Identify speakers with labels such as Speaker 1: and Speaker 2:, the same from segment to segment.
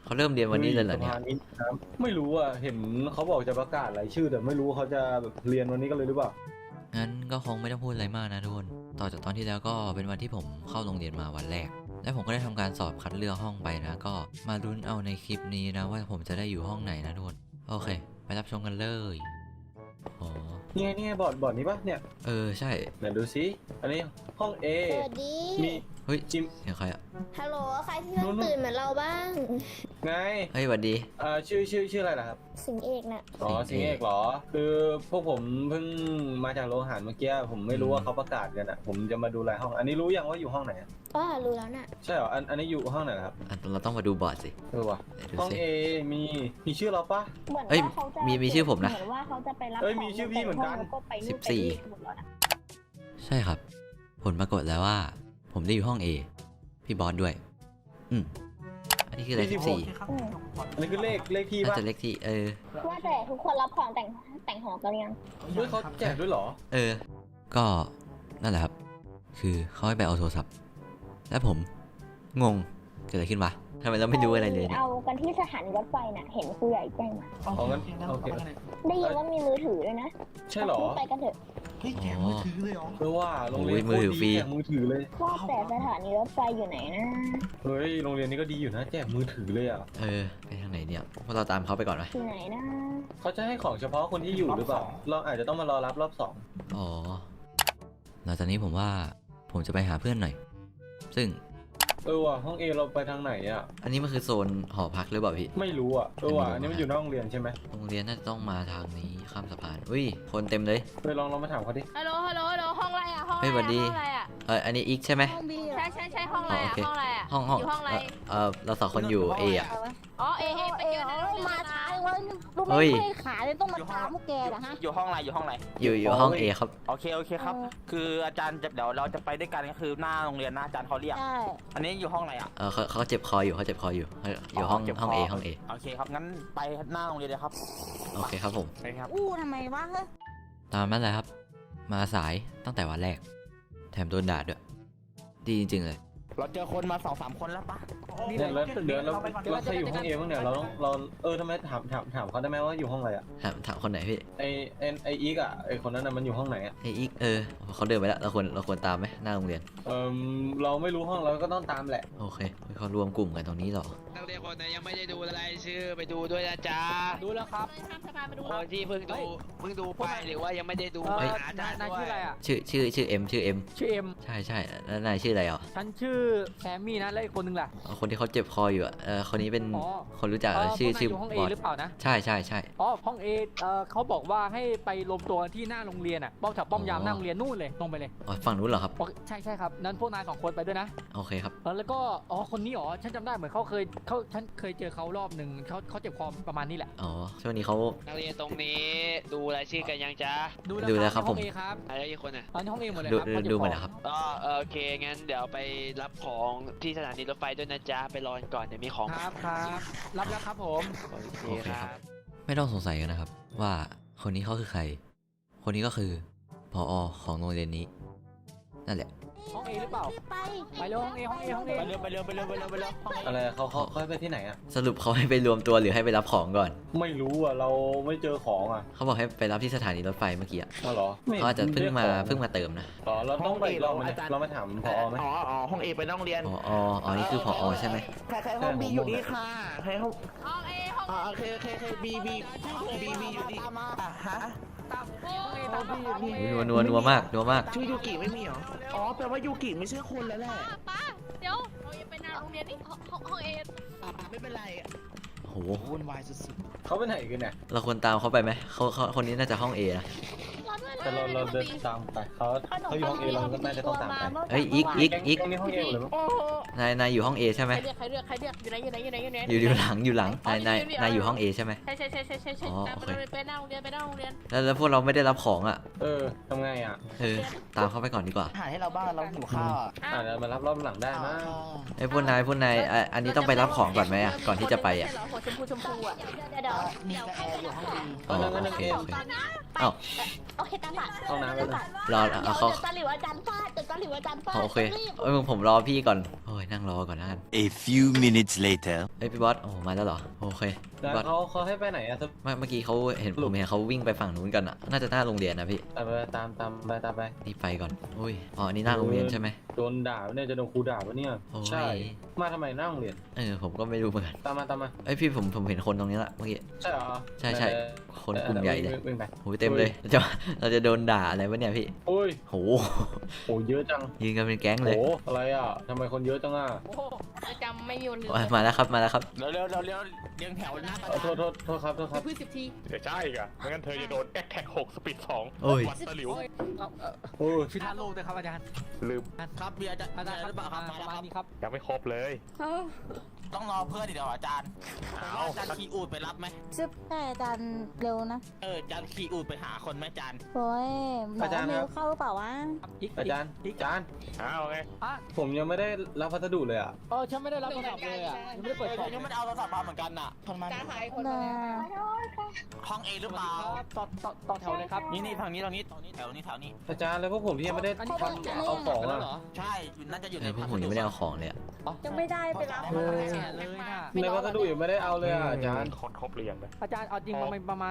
Speaker 1: เขาเริ่มเรียนวันนี้เลยเหรอเนี่ย
Speaker 2: สะพานนี้น้ำไม่รู้อ่ะเห็นเขาบอกจะประกาศรายชื่อแต่ไม่รู้เขาจะแบบเรียนวันนี้กันเลยหรือเปล่า
Speaker 1: งั้นก็คงไม่ต้องพูดอะไรมากนะทุกคนต่อจากตอนที่แล้วก็เป็นวันที่ผมเข้าโรงเรียนมาวันแรกและผมก็ได้ทำการสอบคัดเลือกห้องไปนะก็มาลุ้นเอาในคลิปนี้นะว่าผมจะได้อยู่ห้องไหนนะทุกคนโอเคไปรับชมกันเลยอ๋อ
Speaker 2: นี่ไงบอร์ดนี้ปะเนี่ย
Speaker 1: ใช่
Speaker 2: เดี๋ยวดูซิอันนี้ห้อง A
Speaker 3: สวัสดี
Speaker 2: มี
Speaker 1: เฮ้ย
Speaker 2: จิม
Speaker 1: เสียงใครอ่ะ
Speaker 3: ฮัลโหล ใครที่เพิ่งตื่นเหมือนเราบ้าง
Speaker 2: ไง
Speaker 1: เฮ้ยสวัสดี
Speaker 2: ชื่ออะไรนะครับ
Speaker 3: สิงเอกน่ะ
Speaker 2: อ๋อ
Speaker 1: สิ
Speaker 2: สิ
Speaker 1: ง
Speaker 2: ง
Speaker 1: ห์
Speaker 2: ห์
Speaker 1: เอ
Speaker 2: เอก กเหรอคือพวกผมเพิ่งมาจากโรงอาหารเมื่อกี้ผมไม่รู้ว่าเขาประกาศกันอ่ะผมจะมาดูรายห้อง อันนี้รู้ยังว่าอยู่ห้องไหนอะ
Speaker 3: ก็รู้แล้วน่ะ
Speaker 2: ใช่เหรออันนี้อยู่ห้องไหนนะครับ
Speaker 1: เราต้องมาดูบอร์ดสิ
Speaker 2: ว่ะ
Speaker 1: ไหนดู
Speaker 2: ห้อง
Speaker 1: สิ
Speaker 2: A มีชื่อเราปะ
Speaker 3: เหมือน
Speaker 1: เอ้ย
Speaker 3: ว่าเขาจะ
Speaker 1: มีชื่อผมนะ
Speaker 3: เหมือนว่าเขาจะไปรับ
Speaker 2: เอ้ยมีชื่อพี่เหมือนกัน
Speaker 3: แล้วก็ไปนู่น
Speaker 1: 14
Speaker 3: ไปนี่หมดแล้วนะ
Speaker 1: ใช่ครับ ผลปรากฏแล้วว่า ผมได้อยู่ห้อง A พี่บอสด้วยอันนี้คืออะไร14
Speaker 3: อืม
Speaker 2: อันนี้คือเลขที่
Speaker 1: น่า
Speaker 2: ปะ
Speaker 1: จะเลขที่
Speaker 3: ว่าแต่ทุกคนรับของแต่งหอกันยัง
Speaker 2: เฮ้ยเขาแจกด้วยเหรอ
Speaker 1: ก็นั่นแหละครับ คือเขาให้ไปเอาโทรศัพท์ แล้วผมงงเกิดอะไรขึ้นวะทำไมเราไม่รู้อะไรเลยเนี่ย
Speaker 3: เอากันที่สถานีรถไฟน่ะ เห็นครูใหญ่แจ้งมา
Speaker 2: อ๋องั้นโอเค
Speaker 3: ได้ยินว่ามีมือถือด้วยนะ
Speaker 2: ใช่เหรอ
Speaker 3: ไปกันเถอะ
Speaker 4: เฮ้ยแกะมือถือเลยเหรอ
Speaker 2: เพราะว่าโรงเรียน
Speaker 1: โอ้ยมือถือฟรี
Speaker 2: แจกมือถือเลย
Speaker 3: ว่าแต่สถานีรถไฟอยู่ไหนนะ
Speaker 2: เฮ้ยโรงเรียนนี้ก็ดีอยู่นะแจกมือถือเลยอ่ะ
Speaker 1: ไปทางไหนเนี่ยพวกเราตามเขาไปก่อนไหม
Speaker 3: ที่ไหนนะ
Speaker 2: เขาจะให้ของเฉพาะคนที่อยู่หรือเปล่า เราอาจจะต้องมารอรับรอบสอง
Speaker 1: อ๋อหลังจากนี้ผมว่าผมจะไปหาเพื่อนหน่อย ซึ่ง
Speaker 2: ว่ะห้องเอเราไปทางไหนอ่ะ
Speaker 1: อันนี้มันคือโซนหอพักหรือเปล่าพี่
Speaker 2: ไม่รู้อ่ะว่ะอันนี้มันอยู่นอกโรงเรียนใช่ไหม
Speaker 1: โรงเรียนน่าจะต้องมาทางนี้ข้ามสะพานอุ้ยคนเต็มเลย
Speaker 2: ลองมาถามเขาดิ
Speaker 5: ฮัลโหลห้องอะไรอ่ะห้อง
Speaker 1: เฮ้ยสวัสดี
Speaker 5: ห้องอะไรอ่ะ
Speaker 1: อันนี้อีกใช่ไหม
Speaker 5: ใช่ห้องอะไรอ่ะ
Speaker 1: โอเค
Speaker 5: ห้องอะไรอ่ะ
Speaker 1: ห้อง
Speaker 5: อยู่ห้องอะไร
Speaker 1: เราสองคนอยู่ A อ่ะ
Speaker 5: อ๋อเอไปเจอในโรงเรียน
Speaker 3: มา
Speaker 5: นะ
Speaker 3: ช้าเลยว่าลูก
Speaker 1: เฮ้
Speaker 3: ไม่
Speaker 1: ย
Speaker 3: เคยขาเลยต้องมาตามพวกแกเหรอฮะ
Speaker 4: อยู่ห้องอะไรอยู่ห้องอะไร
Speaker 1: อยู่ห้อง A ครับ
Speaker 4: โอเคครับ คืออาจารย์จะเดี๋ยวเราจะไปด้วยกันก็คือหน้าโรงเรียนหน้าอาจารย์เขาเรียก
Speaker 3: ใช่
Speaker 4: อันนี้อยู่ห้องอะไรอ่ะ
Speaker 1: เขาเจ็บคออยู่เขาเจ็บคออยู่อยู่ห้อง
Speaker 4: เจ็บค
Speaker 1: ห้อง A ห้อง A
Speaker 4: โอเคครับงั้นไปหน้าโรงเรียนเลยครับ
Speaker 1: โอเคครับผม
Speaker 4: ไปครับ
Speaker 3: อู้ทำไมวะเฮ้ย
Speaker 1: ตามนั้นแหละครับ มาสายตั้งแต่วันแรก แถมโดนด่าด้วย ดีจริงๆเลย
Speaker 4: เราเจอคนมา2-3 คนแล้วปะ
Speaker 2: เนี่ยแล้วเดี๋ยวเราใครอยู่ห้องเอบ้างเนี่ยเราทำไมถามเขาได้ไหมว่าอยู่ห้องอะไรอ่ะ
Speaker 1: ถามคนไหนพี่
Speaker 2: ไออีกอ่ะไอคนนั้นน่ะมันอยู่ห้องไหนอ่ะ
Speaker 1: ไออีกเขาเดินไปแล้วเราควรตามไหมหน้าโรงเรียน
Speaker 2: เราไม่รู้ห้องเราก็ต้องตามแหละ
Speaker 1: โอเคเขารวมกลุ่มกันตรงนี้เหรอ
Speaker 6: นักเรียนคนไหนยังไม่ได้ดูรายชื่อไปดูด้วยนะจ๊ะ
Speaker 4: ดูแล้วครับ
Speaker 5: ข้ามสะพานมาดู
Speaker 6: คนที่เพิ่งดูไปหรือว่ายังไม่ได้ดู
Speaker 4: เฮ้
Speaker 6: มาย หาอาจารย์
Speaker 4: นาย
Speaker 6: ด้ว
Speaker 4: ชื่ออะไร
Speaker 6: ย
Speaker 4: อ่ะ
Speaker 1: ชื่อเอ็ม
Speaker 4: ชื่อเอ็ม
Speaker 1: ใช่แล้วนายชื่ออะไรอ่ะ
Speaker 4: ฉันชื่อแซมมี่นะแล้วอีกคนนึงล่ะ
Speaker 1: คนที่เขาเจ็บคออยู่อ่ะคนนี้เป็น
Speaker 4: อ๋อ
Speaker 1: คนรู้จักชื่อ
Speaker 4: พวกนายยู่ห้องเอบ
Speaker 1: อส
Speaker 4: หรือเปล่านะ
Speaker 1: ใช่
Speaker 4: อ๋อห้องเอเขาบอกว่าให้ไปรวมตัวกันที่หน้าโรงเรียนอ่ะป้อมแถวป้อมยามหน้าโรงเรียนนู่นเลยตรงไปเลย
Speaker 1: ฝั่งนู้นเหรอครับ
Speaker 4: โอเคใช่ครับนั้นพวกนาย2 คนไปด้วยนะ
Speaker 1: โอเคครับ
Speaker 4: แล้วก็คนนี้ฉันจำได้เหมือนฉันเคยเจอเขารอบหนึ่งเขาเจ็บคอประมาณนี้แหละ
Speaker 1: อ๋อช่วงนี้เขา
Speaker 6: นักเรียนตรงนี้ดูรายชื่อกันยังจ๊ะ
Speaker 1: ดูแล้วครับ
Speaker 4: ในห้อง
Speaker 1: ผม
Speaker 4: เอครับ
Speaker 6: อะไรอีกคนอ่ะ
Speaker 4: ตอนนี้ห้องเอหมดเลย
Speaker 1: ดู
Speaker 4: ครับเขาเจ็บ
Speaker 1: ดู
Speaker 4: คอ
Speaker 1: มาแล้วครับ
Speaker 6: อ๋อโอเคงั้นเดี๋ยวไปรับของที่สถานีรถไฟด้วยนะจ๊ะไปรอกันก่อนเดี๋ยวมีของ
Speaker 4: ครับรับแล้วครับผม
Speaker 6: โอเค
Speaker 1: โอเค
Speaker 6: ค
Speaker 1: ครั
Speaker 6: รับ บ
Speaker 1: ไม่ต้องสงสัยกันนะครับ ว่าคนนี้เขาคือใคร คนนี้ก็คือผอของโรงเรียนนี้ นั่นแหละ
Speaker 4: ห้องเอหรือเปล่า
Speaker 3: ไป
Speaker 4: ไปเร็วห้องเอห้องเอห้องเอ
Speaker 6: ไปเร็วห้อง
Speaker 2: อะไรเขาให้ไปที่ไหนอ่ะ
Speaker 1: สรุปเขาให้ไปรวมตัวหรือให้ไปรับของก่อน
Speaker 2: ไม่รู้อ่ะเราไม่เจอของอ่ะ
Speaker 1: เขาบอกให้ไปรับที่สถานีรถไฟเมื่อกี้อะ
Speaker 2: อ๋อเหรอไม่
Speaker 1: เขาอาจจะเพิ่งมา
Speaker 2: รียกของ
Speaker 1: เติมนะ
Speaker 2: อ๋อเราต้องไปอีกรอบไหมเนี่ยเรามาถามพอไหม
Speaker 4: ห้องเอไปโรงเรียน
Speaker 1: อ๋อนี่คือผอใช่ไหม
Speaker 4: ใครห้องบีอยู่นี่ค่ะใครห้อง
Speaker 5: ห้องเอห้อง
Speaker 4: โอเคบีอยู่นี่ฮะ
Speaker 1: อุ๊ยนัวมาก
Speaker 4: ชื่อยูกิไม่มีเหรออ๋อแปลว่ายูกิไม่ใช่คนแล้วแหละ
Speaker 5: ป้าเดี๋ยวเราจะไปหน้าโรงเรียนนี่ห้องเอ
Speaker 4: ไม่เป็นไร
Speaker 1: โห
Speaker 4: วุ่นวายสุด
Speaker 2: เขาไปไหนกันเนี่ย
Speaker 1: เราควรตามเขาไปไหมเขาคนนี้น่าจะห้อง A นะ
Speaker 2: แต่เราเดินตามไปเขาอยู่ห้องเอเราก็น่าจะต้องตามไป
Speaker 1: เอ้ยอีก
Speaker 2: แก๊งนี้ห้องเอหรือเปล่า
Speaker 5: โอ้โห
Speaker 1: นายอยู่ห้อง A ใช่ไหม
Speaker 5: ใครเรียกอยู่ไหน
Speaker 1: อยู่หลังนายอยู่ห้อง A ใช่ไหม
Speaker 5: ใช่
Speaker 1: อ๋อโอเค
Speaker 5: ไปหน้าโรงเรียน
Speaker 1: แล้วพวกเราไม่ได้รับของอ่ะ
Speaker 2: ทำไงอ่ะ
Speaker 1: ตามเขาไปก่อนดีกว่า
Speaker 4: หาให้เราบ้างเราหิวข้าว
Speaker 2: เดี๋ยวมารับรอบหลังได้มั้ง
Speaker 1: ไอ้พวกนายอันนี้ต้องไปรับของก่อนไหมอ่ะก่อนที่จะไปอ่ะ
Speaker 5: หัวชมพูอ่ะ
Speaker 3: เดี๋ยว
Speaker 4: มีกระแอร์อยู่ห้องบี
Speaker 1: อ๋อโอเค
Speaker 3: ตอนนะ
Speaker 1: เอ้า
Speaker 3: โอเคตามำอ่ะ
Speaker 2: ห้องน้ำแล้วนะ
Speaker 1: รอ
Speaker 3: เดี๋ยว
Speaker 1: เขา
Speaker 3: จะตะหลิวอาจารย์ฟาดจะตะหลิวอาจารย์ฟาด
Speaker 1: โอเค
Speaker 3: รีบ
Speaker 1: เอ้ยผมรอพี่ก่อนโอ้ยนั่งรอก่อนนะกัน
Speaker 7: A few minutes later.
Speaker 1: เอ้ยพี่บอสโอ้มาแล้วเหรอโอเค
Speaker 2: แล้ว
Speaker 1: พี่บอส
Speaker 2: เขาให้ไปไหนอะ
Speaker 1: เมื่อกี้เขาเห็นผมเห็นเขาวิ่งไปฝั่งนู้นกันอ่ะน่าจะหน้าโรงเรียนนะพี่
Speaker 2: ตามไป
Speaker 1: นี่ไปก่อนอุ้ยอ๋ออันนี้หน้าโรงเรียนใช่ไหม
Speaker 2: โดนด่าเนี่ยจะโดนครูด่าปะเนี่ย
Speaker 1: โอ้ย
Speaker 2: ใช่มาทำไมหน้าโรงเรียน
Speaker 1: ผมก็ไม่รู้เหมือนกัน
Speaker 2: ตามมา
Speaker 1: เอ้ยพี่ผมเห็นคนตรงนี้ละเมื่อกี้
Speaker 2: ใช่เหรอ
Speaker 1: ใช่คนกลุ่มใหญ่เลย
Speaker 2: วิ่งไป
Speaker 1: โอ้ยเต็มเลยเราจะโดนด่าอะไรวะเนี่ยพี่
Speaker 2: โอ้ย
Speaker 1: โห
Speaker 2: โหเยอะจัง
Speaker 1: ยืนกันเป็นแก๊ง
Speaker 2: โห
Speaker 1: เลย
Speaker 2: อะไรอ่ะทำไมคนเยอะจังอ่ะ
Speaker 5: โอ้โหจำไม่มีวันลืม
Speaker 1: มาแล้วครับ
Speaker 6: เร็วเรียงแถวหน้า
Speaker 2: โทษครับ
Speaker 5: พืช10 ที
Speaker 8: เดี๋ยวใช่อีกอะไม่งั้นเธอจะโดนแอคแท็ก6สปีด2
Speaker 1: โอ้ย
Speaker 8: วัดตะหลิว
Speaker 2: โอ้ย
Speaker 4: พิธาโลกด้วยครับอาจารย์
Speaker 8: ลืม
Speaker 6: ครับมีอาจารย์
Speaker 4: อาจารย์
Speaker 6: หรือเปล่าครับ
Speaker 4: ประมาณนี้ครับ
Speaker 8: ยังไม่ครบเลย
Speaker 6: ต้องรอเพื่อนเดี๋ยวอาจารย์
Speaker 8: เอา
Speaker 6: อาจารย์ขี่อูดไปรับไหม
Speaker 3: ซึบแต่อาจารย์เร็วนะ
Speaker 6: อาจารย์ขี่อูดไปหาคนไหมอาจารย์
Speaker 3: โอ้ยหมอเมลเข้าหรือเปล่าวะ
Speaker 2: อาจารย์
Speaker 8: เอาไง
Speaker 4: อ่ะ
Speaker 2: ผมยังไม่ได้รับพัสดุเลยอ่ะ
Speaker 4: ฉันไม่ได้รับโทรศัพท์เลยอ่ะยังไม่ได้เปิดกล่อง
Speaker 6: ยังไม่ได้เอาโทรศัพท์มาเหมือนกันน่ะทำไม
Speaker 5: การหายคน
Speaker 3: น่า
Speaker 6: ห้องเอหรือเปล่า
Speaker 4: ต่อแถวเลยครับ
Speaker 6: นี่ฝั่งนี้แถวนี้แถวนี้
Speaker 2: อาจารย์แล้วพวกผมที่ยังไม่ได้
Speaker 4: อันนี้
Speaker 2: ทำเอาของอ่ะ
Speaker 6: ใช่น่าจะอยู่ใน
Speaker 1: พวกผมยังไม่ได้เอาของเลยอะ
Speaker 3: ยังไม่ได้ไปรับ
Speaker 4: เลยน่ะ
Speaker 2: ในพัสดุยังไม่ได้เอาเลยอ่ะอาจารย์
Speaker 8: คนครบเรียงเลย
Speaker 4: อาจารย์เอาจริงมันประมาณ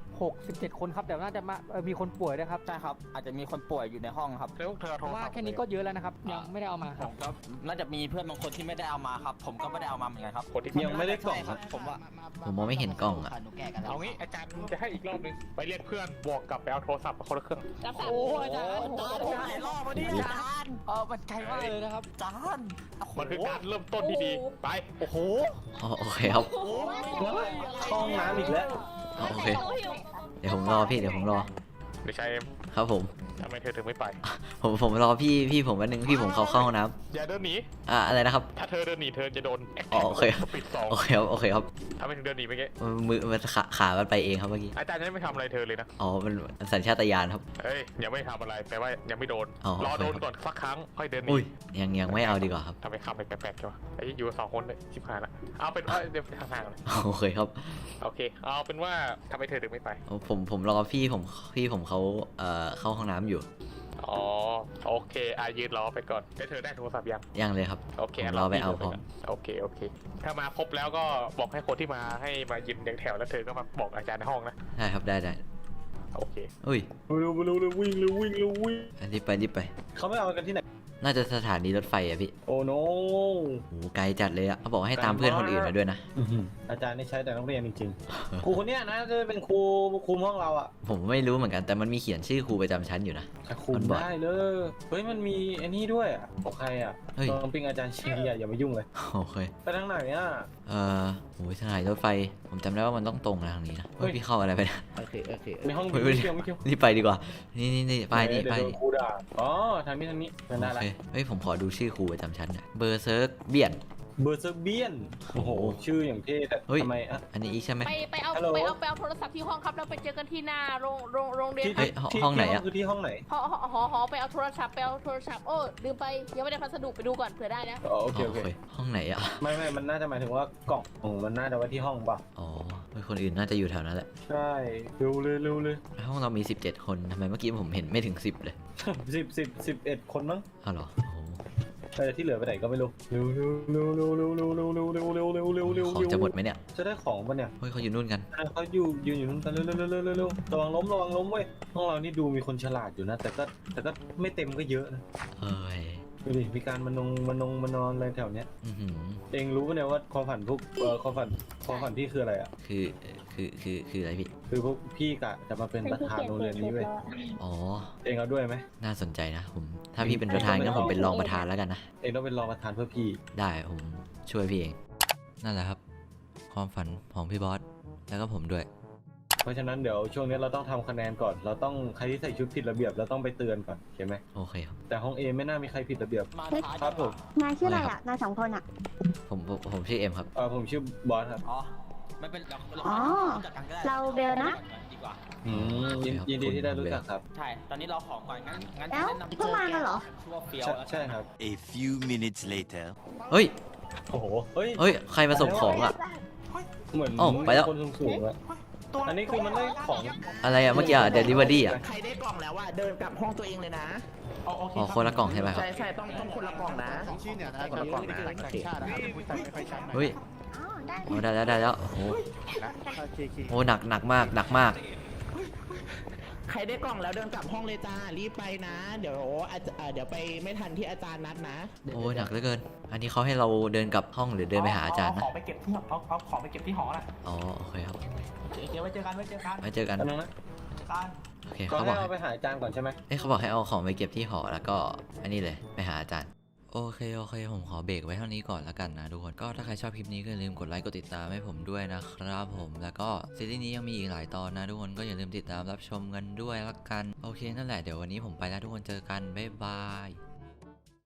Speaker 4: 16-17 คนครับแต่น่าจะมีคนป่วยด้วยครับ
Speaker 6: ใช่ครับ อาจจะมีคนป่วยอยู่ในห้องครับ
Speaker 8: แล้วเธอ
Speaker 4: เพราะว่าแค่นี้ก็เยอะแล้วนะครับยังไม่ได้เอามาค
Speaker 6: ผ
Speaker 4: รับ
Speaker 6: มก็น่าจะมีเพื่อนบางคนที่ไม่ได้เอามาครับ ผมก็ไม่ได้เอามาเหมือนกันครับ
Speaker 8: คนที่
Speaker 2: ยังไม่ได้กล่อง
Speaker 6: ใช่ครับผมว่า
Speaker 1: ผมมองไม่เห็นกล้องอะ
Speaker 6: หนูแก่กันแล้ว
Speaker 8: เอางี้อาจารย์จะให้อีกรอบนึงไปเรียกเพื่อนบวกกลับไปเอาโทรศัพท์มาคนละเครื่อง
Speaker 5: รับสาม
Speaker 4: โอ้อาจารย์
Speaker 6: หลายรอบมาดิอาจารย์
Speaker 4: มันไกลมากเลยนะครับ
Speaker 6: อาจารย์
Speaker 8: มันคือการเริ่มต้นที่ดีไป
Speaker 6: โอ้โห
Speaker 1: อ๋อโอเคครับ
Speaker 2: เข้าห้องน้ำอีกแล้ว
Speaker 1: อ๋อโอเค เดี๋ยวผมรอพี่เดี๋ยวผมรอ
Speaker 8: เดี๋ยวชายเอ็ม
Speaker 1: ครับผม
Speaker 8: ทำไมเธอถึงไม่ไป
Speaker 1: ผมรอพี่ผมวันนึงพี่ผมเข้าห้องน้
Speaker 8: อย่าเดินหนี
Speaker 1: ำอะไรนะครับ
Speaker 8: ถ้าเธอเดินหนีเธอจะโดนแอค
Speaker 1: อ๋
Speaker 8: แท็
Speaker 1: อก โอเค
Speaker 8: สปีด2
Speaker 1: โอเคครับโอเคครับ
Speaker 8: ทำไมถึงเดินหนีเมื่อกี้
Speaker 1: มือมันขามันไปเองครับเมื่อกี้
Speaker 8: อาจารย์ยังไม่ทำอะไรเธอเลยนะ
Speaker 1: อ๋อมันสัญชาตญาณครับ
Speaker 8: เอ้ยยังไม่ทำอะไรแปลว่ายังไม่โดน
Speaker 1: อ๋อ
Speaker 8: รอโดน
Speaker 1: โอเค
Speaker 8: ก่อนสักครั้งค่อยเดินหนี
Speaker 1: อุ้ยยังไม่เอาดีกว่าครับ
Speaker 8: ทำไมคำไปแปลกๆใช่ปะไอ้อยู่2คนเลยชิบหายละเอาเป็นว่าเดี๋ยวห่างๆเลย
Speaker 1: โอเคครับ
Speaker 8: โอเค เอาเป็นว่าทำไมเธอถึงไม่ไป
Speaker 1: ผมรอพี่ผมเขาเข้าห้องน้ำอยู่
Speaker 8: อ๋อ โอเคยืนรอไปก่อนแล้วเธอได้โทรศัพท์ยัง
Speaker 1: ยังเลยครับ
Speaker 8: โอเค
Speaker 1: ผมรอไปเอาพร้อม
Speaker 8: โอเค ถ้ามาครบแล้วก็บอกให้คนที่มาให้มายืนเรียงแถวแล้วเธอก็มาบอกอาจารย์ในห้องนะ
Speaker 1: ได้ครับได้
Speaker 8: โอเค
Speaker 1: อุ้ย
Speaker 2: เร็ววิ่ง
Speaker 1: รีบไป
Speaker 2: เขาไม่เอากันที่ไหน
Speaker 1: น่าจะสถานีรถไฟอะพี่
Speaker 2: โอ้โน
Speaker 1: โหไกลจัดเลยอะเขาบอกให้ตามเพื่อนคนอื่นมาด้วยนะ
Speaker 2: อาจารย์นี่ใช้แต่นักเรียนจริงๆ ครูคนเนี้ยนะจะเป็นครูคุมห้องเราอ่ะ
Speaker 1: ผมไม่รู้เหมือนกันแต่มันมีเขียนชื่อครูประจำชั้นอยู่นะ
Speaker 2: คุมได้เลย เฮ้ยมันมีไอ้นี่ด้วยอ่ะของใครอ่ะ
Speaker 1: เฮ้ย
Speaker 2: น้องปิงอาจารย์ชีอ่ะอย่ามายุ่งเลย
Speaker 1: โอเค
Speaker 2: ไปทางไหนอ่ะ
Speaker 1: โหสถานีรถไฟ ผมจำได้ว่ามันต้องตรงนะทางนี้นะเฮ้ยพี่เข้าอะไรไปนะ
Speaker 2: ในห้อง
Speaker 1: เฮ้ย
Speaker 2: ไม่เกี่ยว
Speaker 1: รีบไปดีกว่า นี่ป้ายนี่
Speaker 2: เดี๋ว
Speaker 1: ป้าย
Speaker 2: โด
Speaker 1: นี่
Speaker 2: ครูด่าอ๋อทางนี้เป็นได้
Speaker 1: โอ
Speaker 2: ละ
Speaker 1: เคเฮ้ยผมขอดูชื่อครูประจำชั้นหน่อยเบอร์เซิร์กเบียน
Speaker 2: เบอร์เซอร์เบียนโอ้โหชื่ออย่างเท่แต่
Speaker 1: เฮ้ย
Speaker 2: ทำไมอ่ะ
Speaker 1: อันนี้อีกใช่ไหม
Speaker 5: ไปเอา
Speaker 2: ฮัลโหล
Speaker 5: โทรศัพท์ที่ห้องครับแล้วไปเจอกันที่หน้าโรงเรียน
Speaker 2: ที่
Speaker 5: ครั
Speaker 1: เฮ้
Speaker 5: บ
Speaker 1: ยห้องไหนอะ
Speaker 2: คือที่ห้องไหน
Speaker 5: หอไปเอาโทรศัพท์โอ้ลืมไปยังไม่ได้พัสดุไปดูก่อนเผื่อได้นะ
Speaker 2: อ๋อโอเคโอเค
Speaker 1: ห้องไหนอะ
Speaker 2: ไม่มันน่าจะหมายถึงว่ากล่องมันน่าจะไว้ที่ห้องป่ะ
Speaker 1: อ๋อเฮ้ยคนอื่นน่าจะอยู่แถวนั้นแหละ
Speaker 2: ใช่เร็วเลย
Speaker 1: ห้องเรามี 17 คนทำไมเมื่อกี้ผมเห็นไม่ถึง 10 เลย
Speaker 2: 11 คนมั้ง
Speaker 1: อ้าวเหรอโอ้โห
Speaker 2: แต่ที่เหลือไปไหนก็ไม่รู้เร็ว
Speaker 1: ของจะหมดไหมเนี่ย
Speaker 2: จะได้ของปะเนี่ย
Speaker 1: เฮ้ยเขาอยู่นู่นกัน
Speaker 2: เขายืนอยู่นู่นกันเร็วระวังล้มเว้ยห้องเรานี่ดูมีคนฉลาดอยู่นะ แต่ก็ไม่เต็มก็เยอะนะ
Speaker 1: เอ้ย
Speaker 2: ดูดิมีการมานอนอะไรแถวเนี้ย
Speaker 1: อื้อหือ
Speaker 2: เองรู้ปะเนี่ยว่าความฝันพวกความฝันพี่คืออะไรอ่ะ
Speaker 1: คืออะไรพี่
Speaker 2: คือพวกพี่กะจะมาเป็นประธานโรงเรียนนี้เว้ย
Speaker 1: อ๋อ
Speaker 2: เองเอาด้วยไหม
Speaker 1: น่าสนใจนะผมถ้าพี่เป็นประธานงั้นผมเป็นรองประธานแล้วกันนะ
Speaker 2: เองต้องเป็นรองประธานเพื่อพี่
Speaker 1: ได้ผมช่วยพี่เอง นั่นแหละครับ ความฝันของพี่บอส แล้วก็ผมด้วย
Speaker 2: เพราะฉะนั้นเดี๋ยวช่วงนี้เราต้องทำคะแนนก่อน เราต้องใครที่ใส่ชุดผิดระเบียบเราต้องไปเตือนก่อนเข้าไหม
Speaker 1: โอเคครับ
Speaker 2: แต่ห้องเอไม่น่ามีใครผิดระเบียบ
Speaker 6: มาท้าย
Speaker 2: ครับผม
Speaker 3: นายชื่ออะไรอ่ะ นาย2 คนอ่ะ
Speaker 1: ผมชื่อเอ็มครับ
Speaker 2: ผมชื่อบอสครับ
Speaker 6: อ๋อไม่เป็น
Speaker 3: อ๋อ
Speaker 6: จัดการก็ได้
Speaker 3: เราเบลนะ
Speaker 6: ดีกว่า
Speaker 2: ยินดีที่ได้รู้จักครับ
Speaker 6: ใช่ ตอนนี้เราของก่อนงั้น
Speaker 3: แล้ว
Speaker 6: แนะนำ
Speaker 3: เพิ่งมากันเหรอ
Speaker 6: ชื่อว่าเฟียว
Speaker 2: ใช่ครับ
Speaker 7: A few minutes later.
Speaker 1: เฮ้ย
Speaker 2: โอ้โหเฮ้ย
Speaker 1: เฮ้ยใครมาส่งของอ่ะ
Speaker 2: เหมือน
Speaker 1: อ้าวไปแล้ว
Speaker 2: คนสูงๆอะ
Speaker 6: ต
Speaker 2: อันนี้คือมันได้ของ
Speaker 1: อะไรอะเมื่อกี้อะเดลิเวอรี่อะ
Speaker 9: ใครได้กล่องแล้วเดินกลับห้องตัวเองเลยนะ
Speaker 1: อ๋อคนละกล่องใช่ไหมครับ
Speaker 9: ใช่ต้องคนละกล่องนะคนละกล่องนะโอเค
Speaker 1: เฮ้ย
Speaker 3: อ๋อได้
Speaker 1: โอ้ได้แล้วโอ้โหโอ้หนักมาก
Speaker 9: ใครได้กล่องแล้วเดินกลับห้องเลยจ้ารีบไปนะ เดี๋ยวไปไม่ทันที่อาจารย์นัดนะ
Speaker 1: โอ้หนักเหลือเกิน อันนี้เขาให้เราเดินกลับห้องหรือเดินไปหาอาจารย์นะ
Speaker 4: ของไปเก็บที่เอาของไปเก็บที่หอน่ะ
Speaker 1: อ๋อโอเคครับ
Speaker 4: โอเคไว้เจอกัน
Speaker 1: ไว้เจอกัน
Speaker 2: อันนึงนะ
Speaker 4: กัน
Speaker 1: โอเค
Speaker 2: ก็
Speaker 1: เขาบ
Speaker 2: ให้
Speaker 1: อก
Speaker 2: เราไปหาอาจารย์ก่อนใช่ไหม
Speaker 1: เขาบอกให้เอาของไปเก็บที่หอแล้วก็อันนี้เลยไปหาอาจารย์โอเคผมขอเบรกไว้เท่านี้ก่อนแล้วกันนะทุกคนก็ถ้าใครชอบคลิปนี้ก็อย่าลืมกดไลค์กดติดตามให้ผมด้วยนะครับผมแล้วก็ซีรีส์นี้ยังมีอีกหลายตอนนะทุกคนก็อย่าลืมติดตามรับชมกันด้วยละกันโอเคนั่นแหละเดี๋ยววันนี้ผมไปแล้วทุกคนเจอกันบ๊ายบาย